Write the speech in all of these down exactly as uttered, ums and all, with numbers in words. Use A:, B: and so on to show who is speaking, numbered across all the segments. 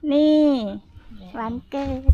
A: นี่วันเกิด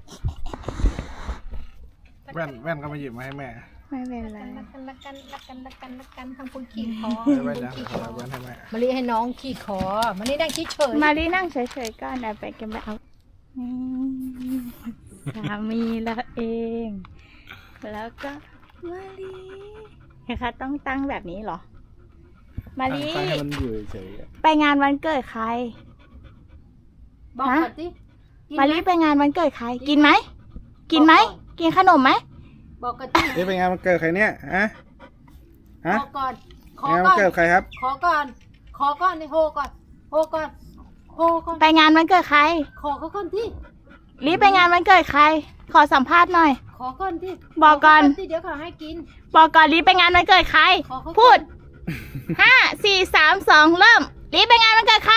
B: แว่นแว่นก็มาหยิบมาให้แม่
A: ไม่เป็นไร
C: รักกันรักกันรักกันรักกันรักกันทำคุณขี่คอ
B: แว่นนะแว่นให้แม่
C: มาลีให้น้องขี่คอมาลีนั่งเฉย
A: มาลีนั่งเฉยๆก่อนนะไปกันไปเอานี่สามีเราเองแล้วก็มาลีนะคะต้องตั้งแบบนี้เหรอมาลี
B: ให้มันอยู่เฉย
A: ไปงานวันเกิดใคร
C: บอกก่อนสิ
A: มาลีไปงานวันเกิดใครกินไหมกินไหมกินขนมไหม
C: บอกก่อนสิ
B: นี่เป็นงานวันเกิดใครเนี่ยฮะฮะ
C: ขอก่อนของ
B: านวั
C: ก่
B: น
C: อน
B: เกิดใครครับ
C: ขอก่อนขอก่อนนี่โฮก่อนโฮก่อนโฮก่อน
A: ไปงานวันเกิดใคร
C: ขอเขาก่อนที่
A: รีบไปงานวันเกิดใครขอสัมภาษณ์หน่อย
C: ขอก่อนที่
A: บอกก่อน
C: ที่เดี๋ยวเขาให้กิน
A: บอกก่อนรีบไปงานวันเกิดใครพูดห้าสี่สามสองเริ่มรีบไปงานวันเกิดใคร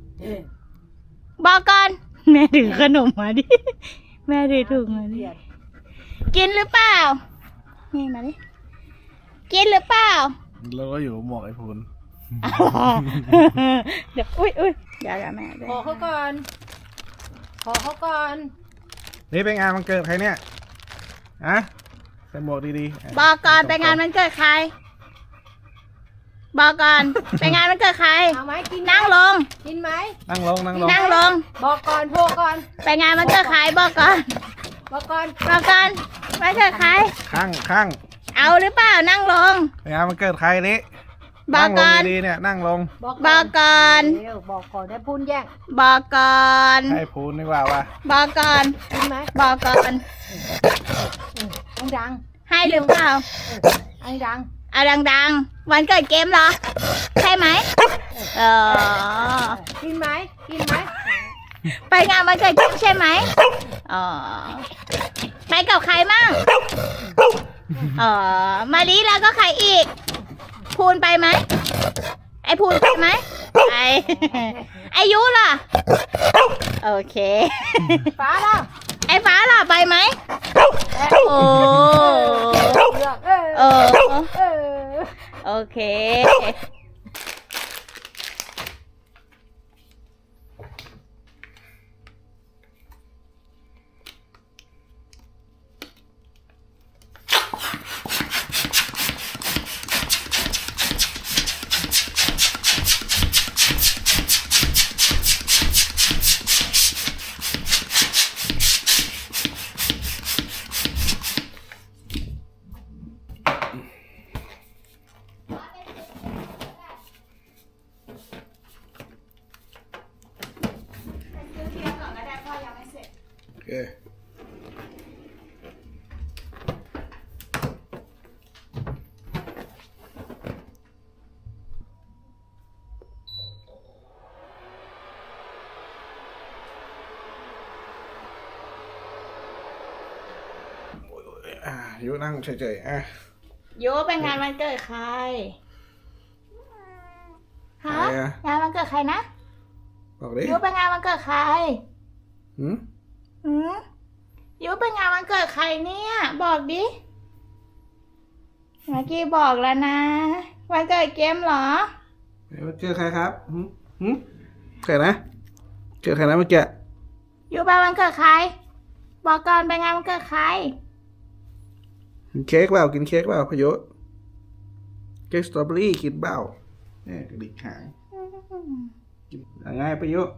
A: บอกก่อนแม่ถือขนมมาดิแม่ถือถุงมาดิกินหรือเปล่านี่มาดิกินหรือเปล่า
B: เราก็อยู่หมวกไอ้พูน
A: เดี๋ยวอุ้ยอุ้ยเดี๋ยวแม่
C: ขอเขาก่อนขอเขาก่อน
B: นี่เป็นงานวันเกิดใครเนี่ยฮะใส่หมวกดี
A: ๆบอกก่อนไปงานวันเกิดใครบอกก่อนไปงานวันเกิดใคร
C: เอาไหมกิน
A: นั่งลง
C: กินไหม
B: นั่งลงนั่งลง
A: นั่งลง
C: บอกก่อนโทรก่อน
A: ไปงานวันเกิดใครบอกก่อน
C: บอกก่อน
A: บอกก่อนวันเกิดใคร
B: ข้างข้าง
A: เอาหรือเปล่านั่งลง
B: ไปงานวันเกิดใครนี่
A: บอกก่อน
B: ดีเนี่ยนั่งลง
A: บอกก่อน
C: บอกก่อนได้พูนแย่ง
A: บอกก่อน
B: ให้พูนดีกว่าวะ
A: บอกก่อน
C: กินไหม
A: บอกก่อน
C: ดัง
A: ให้หรือเปล่า
C: อันดัง
A: เอาดังๆวันเกิดเกมเหรอใช่ไหมเออ
C: กินไหมกินไหม
A: ไปงานวันเกิดเกมใช่ไหมอ๋อไปกับใครมั่งอ๋อมาลีแล้วก็ใครอีกพูนไปไหมไอพูนไปไหมไอไอยุล่ะโอเค
C: ฟ้าล่ะ
A: ไอฟ้าล่ะไปไหมโอ้เออโอเค
B: โอเคอ่ะยุนั่งเฉยๆอ่ะ
A: ยุไปงานวันเกิดใครฮะงานวันเกิดใครนะ
B: บอกดิ
A: ยุไปงานวันเกิดใคร
B: หืม
A: หืมยุไปงานวันเกิดใครเนี่ยบอกดิเมื่อกี้บอกแล้วนะวันเกิดเกมเหรอ
B: วันเกิดใครครับหืมหืมเกิดนะเกิดใครนะเมื่อกี้
A: ยุไปวันเกิดใครบอกก่อนไปงานวันเกิดใคร
B: กินเค้กเปล่ากินเค้กเปล่าพยุเค้กสตรอเบอรี่กินเปล่าเนี่ยกระดิกหางกินยังไงพยุ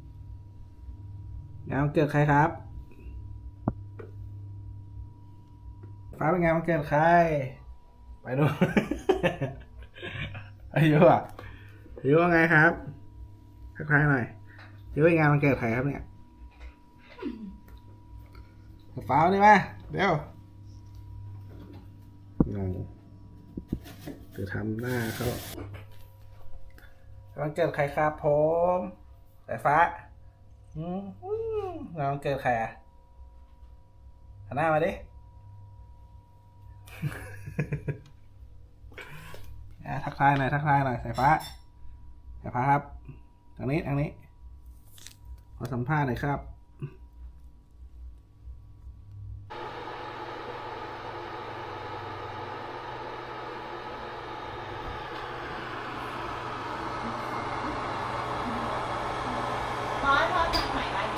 B: งานวันเกิดใครครับฟ้าเป็นงานวันเกิดใครไปดูอายุอ่ะอายุว่าไงครับทักทายหน่อยอายุเป็นงานวันเกิดใครครับเนี่ยฟ้านี่มาเดี๋ยวงงจะทำหน้าเขาวันเกิดใครครับผมสายฟ้าอืมวันเกิดใครอ่ะหันหน้ามาดิทักทายหน่อยทักทายหน่อยสายฟ้าสายฟ้าครับทางนี้ทางนี้ขอสัมภาษณ์หน่อยครับ
A: พอพอทำใหม่ไว้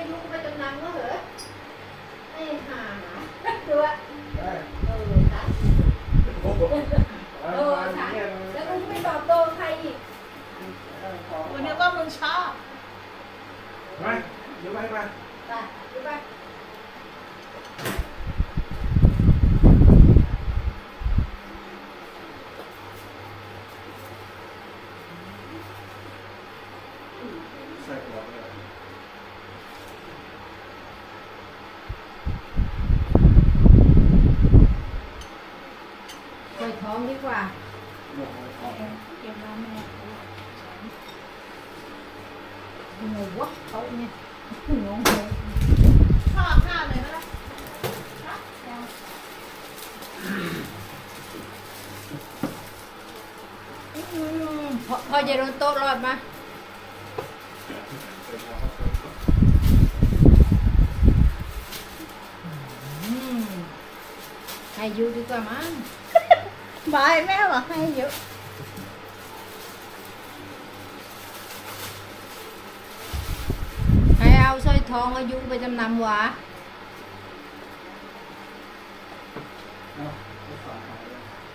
C: ยุไปจำนำก็เหรอไอ้ห่าดูว่า
B: ได้
C: เออค่ะ
B: โอ้โห
C: เออค่ะแล้วมึงไม่ตอบโต้ใครอีก
A: กูนึกว่ามึงชอบ
B: ไปเดี๋ยวไปไป
C: ไปดูไป
B: ใส่หัวเลย
C: ใส่ท้องดีกว่า
B: หมวกเลยของ
A: เก็บมาแม่
C: โอ้โหวะเขาเนี่ยงงเลย
A: ชอบข้าวเลยไหมล่ะอืม
C: พอพอจะโดนโต๊ะรอดมาอืมให้อยูดีกว่ามั้ง
A: บายแม่บอกให้เยอะ
C: ให้เอาสร้อยทองอายุไปจำนำหวะ
B: เอาไปฝากขายเลย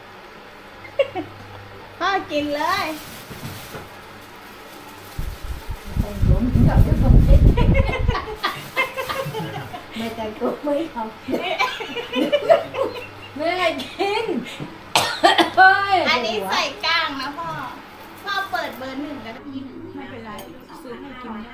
A: พ่อกินเลย
C: แต่งตัวมึงกับเจ้าของเด็กไม่แต่งตัวไม่เอาไม่ให้กินเฮ้ย
A: อันนี้ใส่ก้างนะพ่อ พ่อเปิดเบอร์หนึ่งก็ได้ไม่เป็นไรซื้อให้กินได้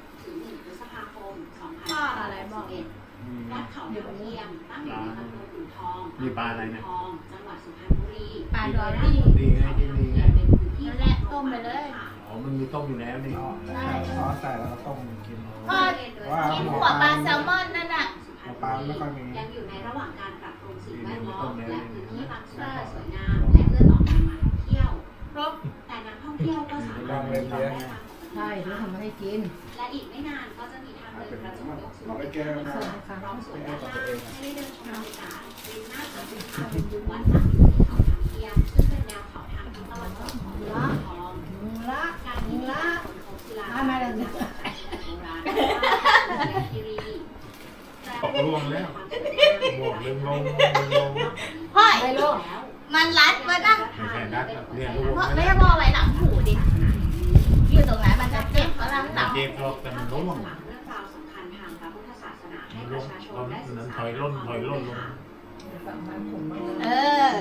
A: พ่ออะไรบอก
D: วัดเขาเทียมตั้งอยู่ในตำบลอู่ทอง
E: มีปลาอะไรเนี่ย
D: ทองจังหวัดสุพรรณบุรี
A: ปลาดอรี่
E: ดีไงดีดีไง
D: เป็นพื้นที่
A: นั่นแหละต้มไปเลย
E: อ๋อ มันมีต้มอยู่แล้วนี่
B: อ๋อซอสใส่แล้วก็ต้มกิน
A: พ่อกินหัวปลาแซลมอนนั่นน่ะ
B: หัวปลาไม่ค่อยมี
D: ยังอยู่ในระหว่างการปรับปรุงสิ่งแวดล้อมและพื้นที่บางส่วนให้สวยงามและเอื้อต่อการมาท่องเที่ยว
A: ครบ
D: แต่นักท่องเที่ยวก็สามารถเดินทางได้ตามปกติ
C: ใช่แล้วทำมาให้กิน
D: และอีกไม่นานก็จะมีทางเดินกระจกยกสูง
B: เอาไปแก้วนะ
D: พร้อมสวนด้านล่างให้ได้เดินชมบรรยากาศริมหน้าผาภูเขาวัดตั้งอยู่ที่เขาทางเทียมซึ่งเป็นแนวเขาทางทิศตะวันตกของเมืองทอง
C: ละ
D: การที่มี
C: ละ
D: คนพบศิลา
C: มาแล้ว
D: โบ
C: เนี่ย
D: ราณคีรี
E: ตกล่วงแล้วบวกลึงลงลึงลง
A: พ่อ
C: ไม่ลง
A: มันรัดวะนะ
E: ไม่ใช่นัดเนี่ย
A: พ่อไม่ให้พ่อไว้หลังหูดิ อยู่ตรงไหนมันจะเจ็บก็ลังหลัง
E: เจ็บหรอกแต่มันร่วง
D: เรื่องราวสำคัญทางพระพุทธศาสนาให้
E: มัน
D: ป
E: ร่ว
D: ระ
E: ง
D: ชาช
E: ต
D: น
E: อน
D: ได้ศึก
E: นั้น
D: ษา
E: ถอยล่นถอยล่นลง
C: ฝั่งบ้านผมมา
A: เออ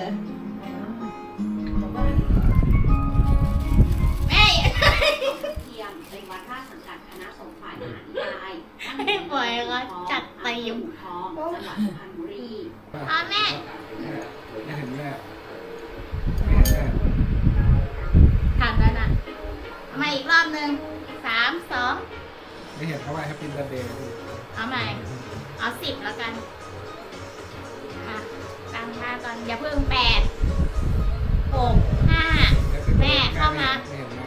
A: แม่
D: เทียมเป็นวัดราชสังกัดคณะสงฆ์ฝ่ายมหานิกาย
A: ให้ปล่อยก็จัดเต็ม
D: ทองจังหวัดสุพรรณบุรี
A: พ่อแม่
B: ไม่เห็นแม่ไม่เห็นแม่
A: ทำแล้วนะเอามาอีกรอบหนึ่งสามสอง
B: ไม่เห็นเขาว่าแฮปปี้เบิร์ดเดย์
A: เอาใหม่ เอาสิบแล้วกันอ่ะตั้งท่าก่อน อย่าเพิ่งแปดหกห้า แม่เข้ามา
B: ไม่เห็นแม่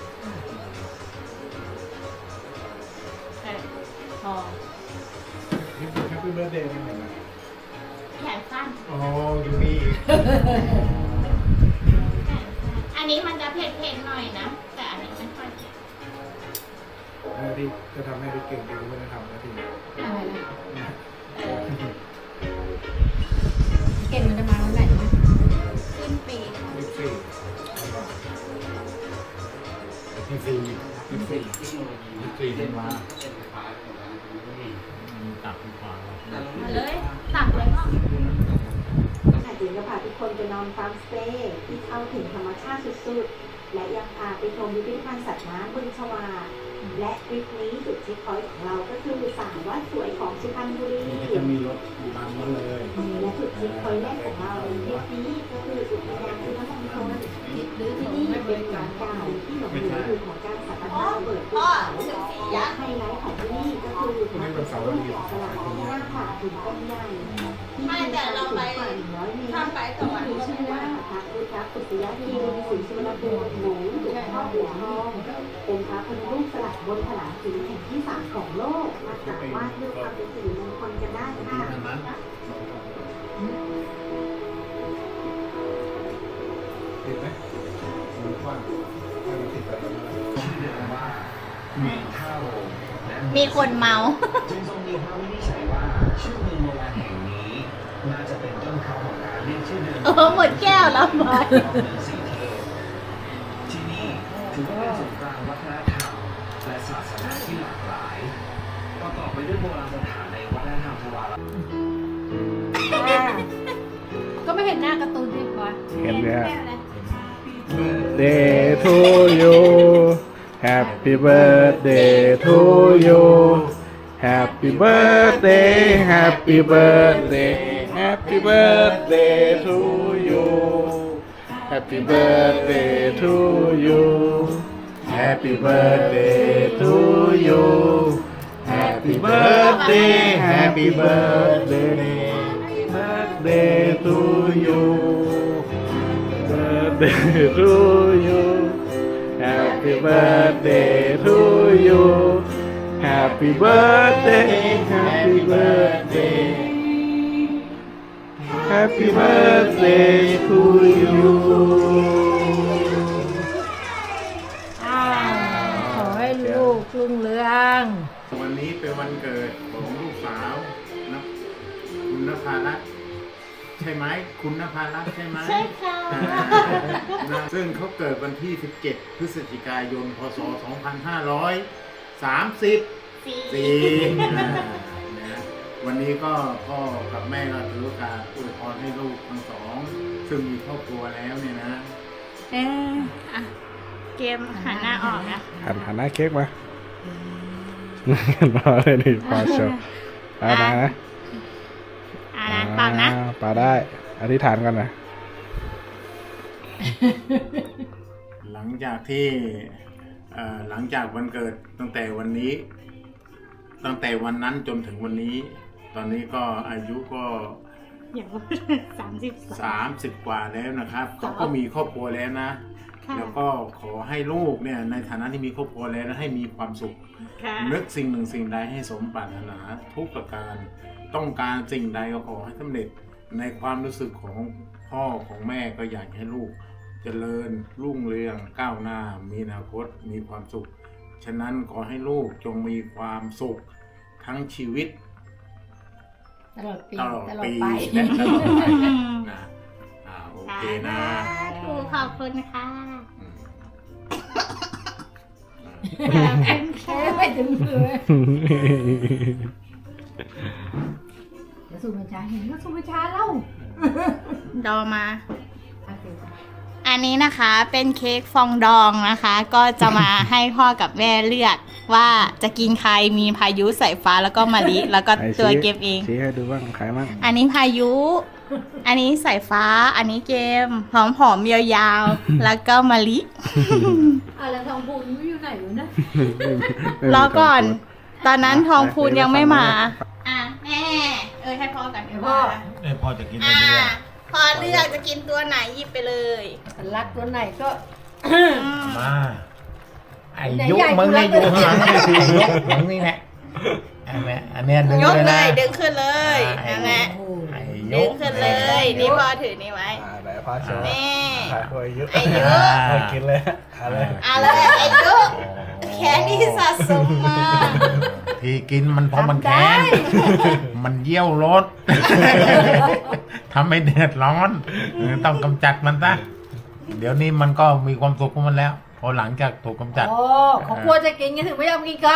A: เออพอ
B: แฮปปี้เบิร์ดเดย์ไม่เห็นแม่
A: แขนสั้น
E: โอ้อยู่นี่
A: อันนี้มันจะเผ็ดๆหน่อยนะ แต่อันนี้ไม่ค่อยเผ็ด
B: แม่ที่จะทำให้ได้เก่งดีไม่ได้ทำนะที
C: อะไรนะเก่งมันจะมาวันไหนนะ
A: สิ้นปี
B: ยี่สิบสี่
E: ที่สี่
B: ยี่สิบสี่
E: ที่สี่เส้นมาตับดีกว่า
A: มาเลยตักเลยพ่อ
F: อาจิงจะพาทุกคนไปนอนฟาร์มสเตย์ที่เข้าถึงธรรมชาติสุดๆ และยังพาไปชมพิพิธภัณฑ์สัตว์น้ำบึงชวา และทริปนี้จุดเช็คพอยต์ของเราก็คือสามวัดสวยของสุพรรณบุรี
E: นี่จะมีรถตามมาเลย
F: และจุดเช็คพอยต์แรกของเราในทริปนี้ก็คืออุทยานพุทธมณฑล
C: หรือ
F: ที่
C: ที่
F: นี่
C: นี่ไม่
F: เป็
C: เป็น น
F: หลั
C: กาง ร
F: เก่าที่หลงเหลืออยู่ของการสถาปนาเปิดภู
A: พ่อ
F: เขา
A: ถึงสี่
F: และ
A: ยักษ์
F: ไฮไลท์ของที่นี่ก็คือพระพุทธรูปแกะสลักที่หน้าผาหินก้อนใหญ่ที่มีความสูงกว่าหนึ่งร้อยเมตร
A: ทำไปต่อวัน
F: มีชื่อว่าพระพุทธปุตยคีรีศรีสุวรรณภูมิหรือหลวงพ่ออู่ทองเป็นพระพุทธรูปสลักบนผนังหินแห่งที่สามของโลกมากราบไหว้เพื่อความเป็นสิริมงคลกันได้ค่ะ
E: อันนั้น
B: ติดไหมมันกว้างถ้ามันติดไปแล้ว
E: มีข้าว
A: มีคนเมา
G: จึงทรงมีพระวินิจฉัยว่าชื่อเมืองโบราณแห่งนี้น่าจะเป็นต้นเขาของการเรียกชื่อเดิม
A: เออหมดแก้วแล้วบอย
G: เมืองสีเทพที่นี่ถือว่าเป็นศูนย์กลางวัฒนธรรมและศาสนาที่หลากหลายประกอบไปด้วยโบราณสถานในวัฒนธรรมทวาร
C: ก็ไม่เห็นหน้าการ์ตูนที่บอย
B: เห็นไหมฮะ Birthday to you Happy birthday to you Happy birthday Happy birthday Happy birthday to you Happy birthday to you Happy birthday to you Happy birthday Happy birthday Birthday to you Birthday to you Happy birthday to you Happy birthday Happy birthday Happy birthday to you
C: อ้าวขอให้ลูกรุ่งเรือง
E: วันนี้เป็นวันเกิดของลูกสาวนะคุณนภารัตน์ใช่ไหมคุณนภารัตน์ใช่ไหม
A: ใช่ค่ะ
E: นะซึ่งเขาเกิดวันที่ สิบเจ็ด พฤศจิกายน พศ สองพันห้าร้อยสามสิบสี่ นะวันนี้ก็พ่อกับแม่ก็ถือโอกาสอวยพรให้ลูกทั้งสอง ซึ่งมีครอบครัวแล้วเนี่ยนะ
A: เอออ่ะเกมหันหน้าออกนะ
B: หันหันหน้าเค้กมามาเลยนี่ปาโชว์ปาได้นะ
A: อ่านะเปล่านะ
B: อ่าปาได้อธิษฐานกันนะ
E: หลังจากที่เอ่อหลังจากวันเกิดตั้งแต่วันนี้ ตั้งแต่วันนั้นจนถึงวันนี้ ตอนนี้ก็อายุก็
A: อย่างสามสิบสอง
E: สามสิบกว่าแล้วนะครับเขาก็มีครอบครัวแล้วนะ
A: ค่ะ
E: แล้วก็ขอให้ลูกเนี่ยในฐานะที่มีครอบครัวแล้วนะให้มีความสุข
A: ค่ะ
E: นึกสิ่งหนึ่งสิ่งใดให้สมปรารถนาทุกประการ ต้องการสิ่งใดก็ขอให้สำเร็จในความรู้สึกของพ่อของแม่ก็อยากให้ลูกเจริญรุ่งเรืองก้าวหน้ามีอนาคตมีความสุข ฉะนั้นขอให้ลูกจงมีความสุขทั้งชีวิต
C: ตลอดปี
E: ตลอด
C: ตลอด
E: ปี
C: ไป
E: และตลอดไปนะอ่าโอเคนะ
A: ถูกขอบคุณค่ะ
E: อืม
C: แค่ไม่ถึงมือเดี๋ยวสูบบัญชาเห็นว่าสูบบัญชาเล่า
A: ดอมา
C: โอเค
A: อันนี้นะคะเป็นเค้กฟองดองนะคะ ก็จะมาให้พ่อกับแม่เลือกว่าจะกินใครมีพายุสายฟ้าแล้วก็มะลิแล้วก็
B: ไหน
A: ตัว
B: ชี้
A: เกมเอง
B: ชี้ให้ดูบ้างใครบ้าง
A: อันนี้พายุ อันนี้สายฟ้า อันนี้เกมหอมหอมๆยาวๆ แล้วก็มะลิ
C: อ่ะแล้วทองพูนอยู่ไหนวะนะ
A: รอก่อน ตอนนั้นทองพูนยังไม่มา อ่ะแม่ เออให้พ่อกัน
C: พ่อ
E: เอ้ยพ่อจะกิน
A: อ่ะ
E: อะไรดีอ่ะ
A: พ่อเลือกจะกินตัวไหนหยิบไปเลย
C: รักตัวไหนก็
A: อืม
E: มาไอ้
C: ไหน
E: ยุ
C: ใหญ่
E: มึงนี่
C: กู
E: อยู่
C: รัก
E: ข้างหลังไอ้ยุมึงนี่แหละอันเนี้ยอันเนี้ยดึง
A: ยก
E: เลย
A: เล
E: นะ
A: ยดึงขึ้นเลย
E: อ่า
A: นั่นแหละ
C: โอ้
E: ไอ้
A: ดึ
E: ยุ
A: งขึ้นเลย นี่พ่อถือนี่ไว้
B: อ่าไหนพ่อโชว์
A: นี่
B: ถ่ายตัวอายุ
A: อายุ
B: เอากินเลยเอาเลย
A: เอาเลยอายุแค่นี้สะสมมา
E: ที่กินมันเพราะมันแค้นมันเยี่ยวรถทำให้เดือดร้อนต้องกำจัดมันซะเดี๋ยวนี้มันก็มีความสุขของมันแล้ว พอหลังจากถูกกำจัด
C: โอ้เขากลัวจะกินกันถึงไม่ยอมกินข้าว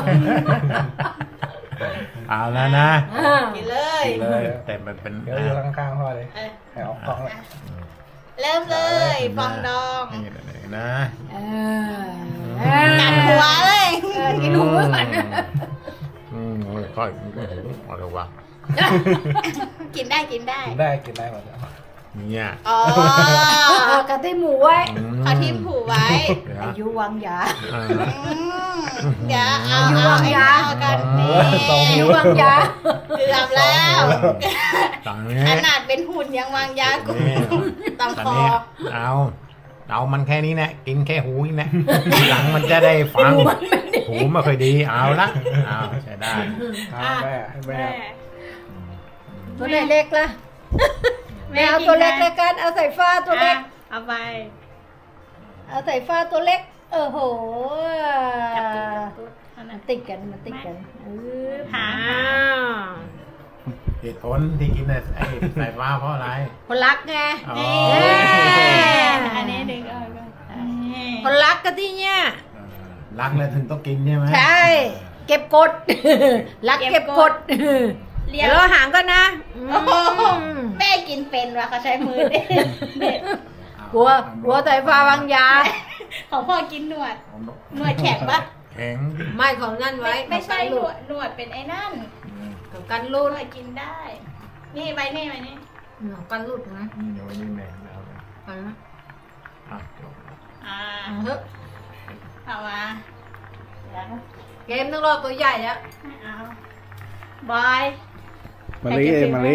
E: เอาแล้วนะ
C: อ่า
A: กินเลย
B: กินเลย
E: แต่มันเป็น
B: เดี๋ยวอยู่ข้างๆพ่อเลย
A: เออ
B: ให้ออกกล้องเลย
A: เริ่มเลยฟองดอง
E: นี่เลยนะ
C: เออ
A: กัดหัวเลย
C: เออกินหูก่อน
E: อืมค่อยอะไรวะ
A: กินได้กินได้
B: กินได้กินได้หมดแล้ว
E: เนี่ย
A: อ๋อ
C: เอากระติหมูไว้
A: เขาทิ่มผูไว้
C: อายุวังยา
A: อืมเดี๋ยวเอา
C: อยู่
A: เอา
C: วาง
A: ไอ้
C: ยา
A: เอากันนี่
C: อายุวังยา
A: เกือบแล้ว
E: ตอนนี้
A: ขนาดเป็นหุ่นยังวางยากู
E: นี่
A: ต้อง
E: ตอน
A: คอ
E: นี้เอาเอามันแค่นี้นะกินแค่หูนี่นะทีหลังมันจะได้ฟังหูไม่ค่อยดีเอาละเอาใช้ได้
B: เอาแม่ให้แม่
A: แม่
C: ตัวไหนเล็กล่ะไม่เอาตัวเล็กแล้วกันเอาใส่ฟ้าตัวเล็ก
A: อ่ะเอาไป
C: เอาใส่ฟ้าตัวเล็ก เออโห
A: จับตุ๊ดจับตุ๊ดอันนะ
C: ติดกันมันติดกันเออ
A: หา
C: อ้าว
E: เหตุผลที่กินไอ้สายฟ้าเพราะอะไร
C: คนรักไง
E: อ๋อ
A: นี่
C: เอ้ย
A: อันนี้ดึงออกก่อนนี่
C: คนรักกันที่เนี่ย
E: เออรักแล้วถึงต้องกินใช่ไหม
C: ใช่ เก็บกด รักเก็บกด
A: เรีย
C: เดี๋ยว
A: ก
C: เราหางกันนะ
A: โอ้โห
C: อืม
A: แม่กินเป็นว่ะเขาใช้มือเด็ดเด็ด
C: หัวหัวสายฟ้าวางยา
A: ของพ่อกินหนวดหนวดแข็งปะ
E: แข็ง
C: ไม่ของนั่นไว้
A: ไม่ไม่ใช่หน
C: ลู
A: ว
C: ก
A: ดหนวดเป็นไอ้นั่น
C: ของกัน
A: หน
C: รูด
A: วดกินได้ นี่ไปนี่ไปนี่
C: ของกันรูดนะ
E: นี่เดี๋ยววันนี้แม่งแล้วนะ
C: กันนะ
E: อ่ะจบ
A: อ่า
C: เอาเถอะ
A: เอามาเดี๋ยว
C: เกมต้องรอตัวใหญ่แล้ว
A: ไม่เอาบอย
B: มาลิเองมาลิ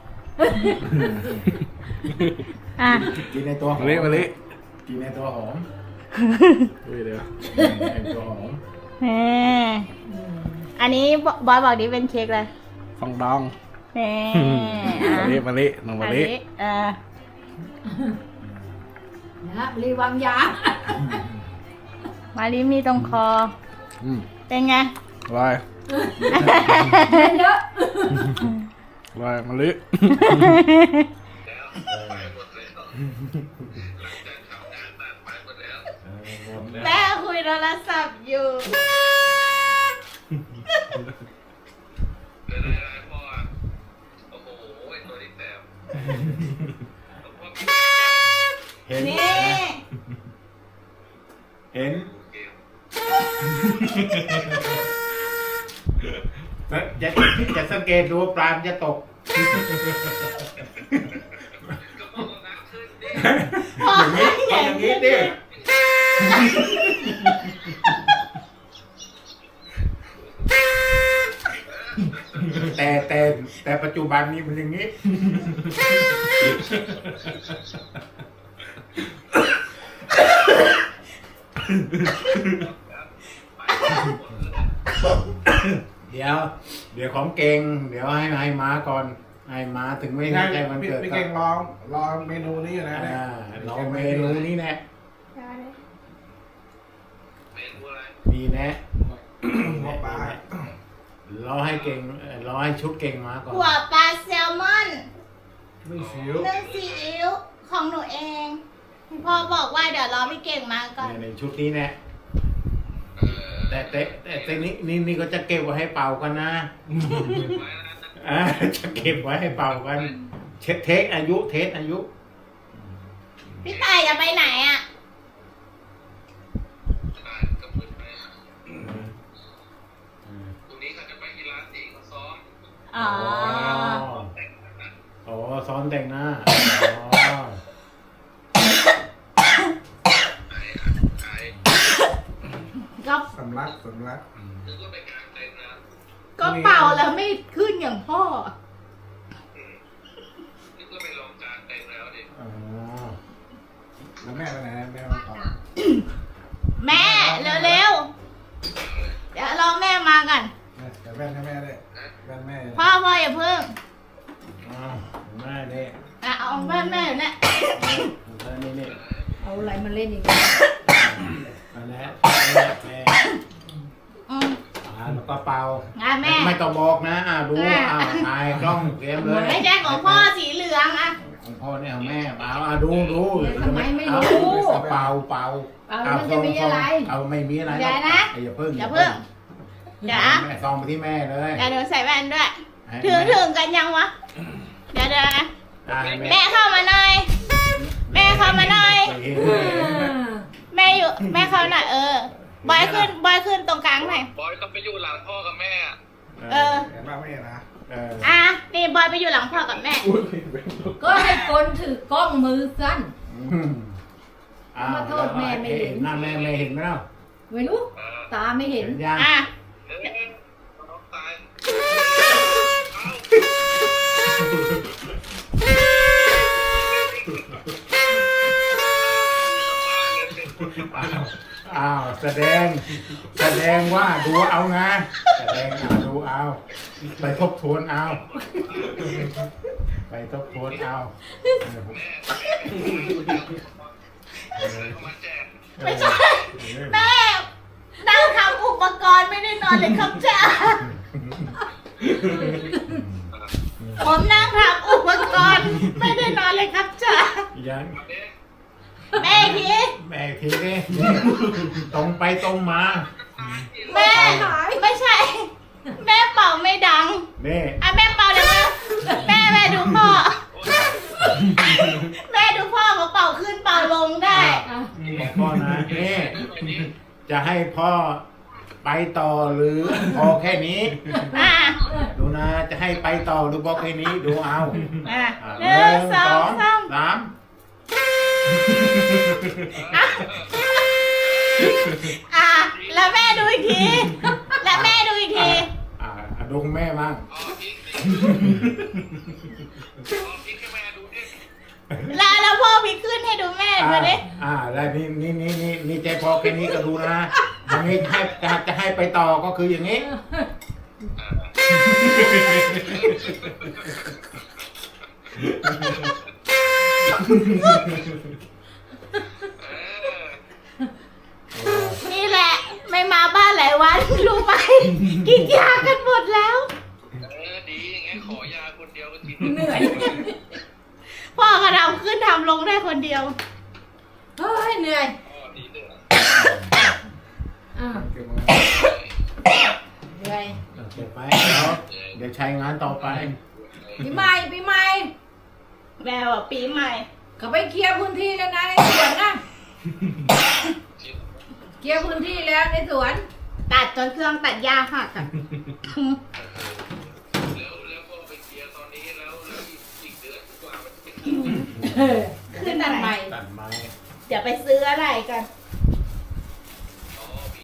A: อ่ะ
E: กินในตัวหอ
B: มาลิมาลิ
E: กินในตัวหอม
B: อุ้ยเดี๋ยว
E: ในตัวหอม
A: แหมอันนี้บอยบอกดิเป็นเค้กเลย
B: ฟองดอง
A: แหม
B: มาลิมาลิน้องมาลิ
A: อันนี้เออ
C: นะรีวางยา
A: มาลิมีตรงคอ
B: อืม
A: เป็นไง
B: อร่อย
C: เยอะ
B: อร่อยมาลิ
A: แม่คุยโทรศัพท์อยู่
E: เห็น
A: นี่
E: เห็นจะจะจะสังเกตดูว่าปลามันจะตก
A: พ่อ
E: อย่างนี้อย่างนี้ดิแต่แต่แต่ปัจจุบันนี้มันอย่างนี้ เดี๋ยว เดี๋ยวของเก่ง เดี๋ยวให้ให้มาก่อน ให้มาถึงไม่ได้ใจมันเกิด
B: พี่
E: ก็
B: เก่งลองลองเมนูนี้อยู่นะเนี่ย
E: อ่าลองเมนูนี้แน่มีแน่
B: หัวปลาร
E: อให้เก่งเอ่อรอให้ชุดเก่งมาก่อน
A: หัวปลาแซลมอน
B: ไม่สิว
A: นึ่งซีอิ๊วของหนูเอง พ่อบอกว่าเดี๋ยวรอพี่เก่งมาก่อน
E: ในในชุดนี้แน่แต่แต่แต่แต่นี่นี่นี่ก็จะเก็บไว้ให้เป่ากันนะอ่าจะเก็บไว้ให้เป่ากัน เช็คเทคอายุเทสอายุ
A: พี่ตายจะไปไหนอ่ะ อ๋อ
E: อ๋อซ้อนแต่งหน้าอ๋อ
A: ก็
B: สำลักสำลัก
A: ก็เป่าแล้วไม่ขึ้นอย่างพ่อ
E: อ๋อ
B: แล้วแม่ไปไหนแม่มาต่อ
A: แม่เร็วๆ เดี๋ยวรอแม่มากัน
B: แม่แต่แว่นให้แม่ด้วยแว่นแม่นะ
A: พ่อพ่ออย่าเพิ่ง
E: อ้าวแม่เนี่ย
A: อ่ะเอาแม่แม่อยู่เนี่ย
E: แล้วนี่นี่
C: เอาอะไรมาเล่นอีก
E: อันนี้แม่แม่
A: อืม
E: อ่าแล้วก็เป่า
A: อ่ะแม่
E: ไม่ต้องบอกนะอ่าดู
A: แม่
E: อ่าถ่ายกล้องเตรียมเลย
A: ไม่ใช่ของพ่อสีเหลืองอ่ะ
E: ของพ่อเนี่ยของแม่เปล่าอ่าดูดู
C: ทำไมไม่
E: เอา
C: รู้
E: เอาเป่าเป่า
C: เป่าแล้วมันจะมีอะไร
E: เอาไม่มีอะไร
A: เดี๋ยวนะ
E: อย่าเพิ่ง
A: อย่าเพิ่ง เดี๋ยวนะ
E: แม่ซองไปที่แม่เลย
A: เดี๋ยวหนูใส่แว่นด้วย
E: ให้
A: ถึง
E: แม่
A: ถึงกันยังวะ เดี๋ยวเดี๋ยวนะ
E: อ่าให้
A: แม่เข้ามาหน่อย แม่เข้ามาหน่อย
E: เห็น
A: แม่อยู่แม่เข้าหน่อยเออ บอยขึ้นบอยขึ้นตรงกลางหน่อย
H: บอยก็ไปอยู่หลังพ่อกับแม่อะ
A: เออ
B: เห็นป่ะไม่เห็นนะ
E: เออ
A: อ่ะนี่บอยไปอยู่หลังพ่อกับแม่
B: อุ้ย
C: ก็ให้คนถือกล้องมือสั้น
E: อืมอ้าว
C: มาโทษแม่ไม่เห็น
E: หน้าแม่ไม่เห็นไหมเล่า
C: ไม่รู้ ตาไม่เห็น
E: เห็นยัง
A: อ่ะ
H: เฮ้ยน้องตาย
E: อ้าวอ้าวแสดง แสดงว่าดูเอาไงแสดงเอาดูเอา ไปทบทวนเอา ไปทบทวนเอา
H: มาแจก
A: ไม่ใช่ แม่นั่งทำอุปกรณ์ไม่ได้นอนเลยครับจ้าผมนั่งทำอุปกรณ์ไม่ได้นอนเลยครับจ้า
E: ยัง
A: แม่ที
E: แม่ทีนี้ตรงไปตรงมา
A: แม่ไม่ใช่ แม่เป่าไม่ดัง
E: นี่
A: อ่ะแม่เป่าดังแล้วแม่แม่ดูพ่อ แม่ดูพ่อเขาเป่าขึ้นเป่าลงได้
E: บอกพ่อนะนี่จะให้พ่อไปต่อหรือพอแค่นี้
A: อ่ะ
E: ดูนะจะให้ไปต่อหรือพอแค่นี้ดูเอา
A: อ่ะ
E: อ่ะ
A: หนึ่งสองสาม
E: สาม
A: อ่ะอ่ะแล้วแม่ดูอีกที แล้วแม่ดูอีกที
E: อ่าอ่ะดูคุณแม่มั่ง
H: อ๋อพี่อ๋อพี่ให้แม่ดูดิ
A: แล้วแล้วพ่อพี่ขึ้นให้ดูแม่ดูดิ
E: อ่าแล้วนี่นี่นี่นี่นี่ใจพอแค่นี้ก็ดูนะอย่างนี้ให้จะจะให้ไปต่อก็คืออย่างนี้
A: นี่แหละ ไม่มาบ้านหลายวันรู้ไหมกินยากันหมดแล้ว
H: เออดีอย่างงั้นขอยาคนเดียวก็กิน
C: เหนื่อย
A: พ่อก็ทำขึ้นทำลงได้คนเดียว
C: เฮ้ยเหนื่อย
H: อ๋อดีเลย
C: อ่ะเหนื่อย
E: เก็บไปเดี๋ยวเดี๋ยวใช้งานต่อไป
C: ปีใหม่ปีใหม่
A: แม่ว่าปีใหม่
C: เขาไปเคลียร์พื้นที่แล้วนะในสวนนะเคลียร์พื้นที่แล้วในสวน
A: ตัดจนเครื่องตัดหญ้าหักอ่ะ
H: แล้วแล้วพอไปเคลียร์ตอนนี้แล้วแล้วอีกอีกเดือนกว่ามันจะเป็น
C: เออขึ้นอันใหม่
E: ตัดไม้
A: เดี๋ยวไปซื้ออะไรกัน
H: เ